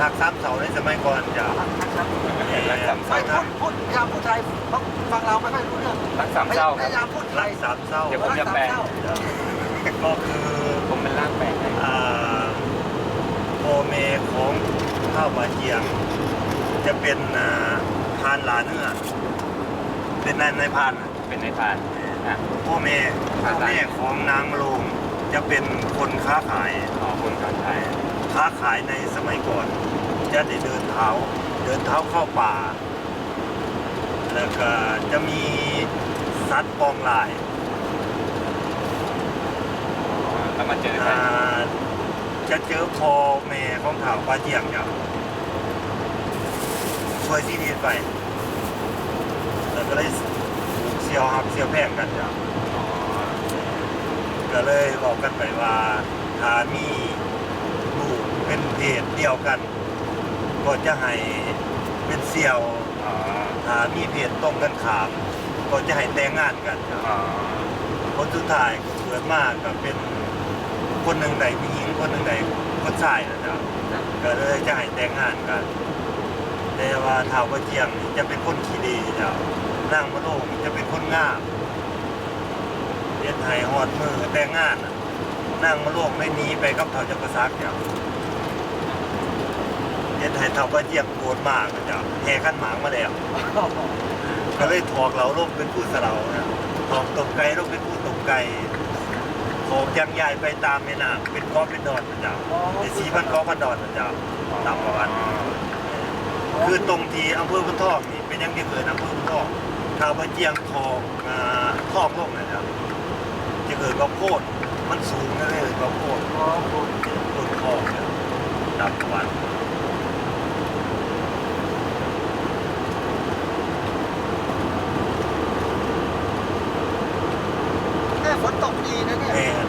หัก3 เสาในสมัยก่อนจ้ะรักสามไม่เศร้าพูดพยายามพูดไทยเพราะฟังเราไม่ค่อยรู้เรื่องรักสามเศร้าพยายามพูดไทรัยก3 เสาเดี๋ยวผมจะแปลจ้ะก็คือผมเป็นร่างแปลงให้โอเมของข้าวบาเจียง จะเป็นพานหลาเนื้อเป็นนายพานเป็นในพานอ่ะพ่อแม่ของนางโลงจะเป็นคนค้าขายขอคนคนไทยค้าขายในสมัยก่อน จะได้เดินเท้าเข้าป่า แล้วก็จะมีสัตว์ปองลายแล้วมาเจอกันจะเจอพ่อแม่ของเท้าปลาเจียงเนี่ยช่วยที่ดีไป แล้วก็เลยถูกเสียวหักเสียวแพงกันจ้ะอ๋อก็เลยบอกกันไปว่าถ้ามีลูกเป็นเพศเดียวกัน ก็จะให้เป็นเสี่ยวอ๋อถ้ามีเพศตรงกันข้ามก็จะให้แต่งงานกันจ้ะอ๋อคนสุดท้ายเกิดมากก็เป็นคนหนึ่งใดผู้หญิงคนหนึ่งใดคนชายนะจ๊ะก็เลยจะให้แต่งงานกันแต่ว่าท้าวกระเจียงนี่จะเป็นคนขี้ดีจ้ะนางมะโรงจะเป็นคนงามเรียนไทยฮอดมือแต่งงานน่ะนางมะโรงได้หนีไปกับเท้าจักรซักจ้ะเรียนไทยท้าวกระเจียงโกรธมากนะจ้ะแห่ขันหมากมาแล้ว ก็เลยถอกเราลงเป็นผู้สะเรานะถอกตกไก่ลงเป็นผู้ตกไก่ถอกยังใหญ่ไปตามแม่น้ำเป็นก้อนเป็นดอนนะจ๊ะใน4,000 ก้อนพันดอนนะจ๊ะตามประวัติคือตรงที่อำเภอพุนทองนี่เป็นยังที่เกิดอำเภอพุนทองข่าวว่าเจียงทองทองลงนะจ๊ะจะเกิดกับโคตรมันสูงนะเลยกับโคตรต้นทองเนี่ยตามประวัติแค่ฝนตกดีนะเนี่ยแม่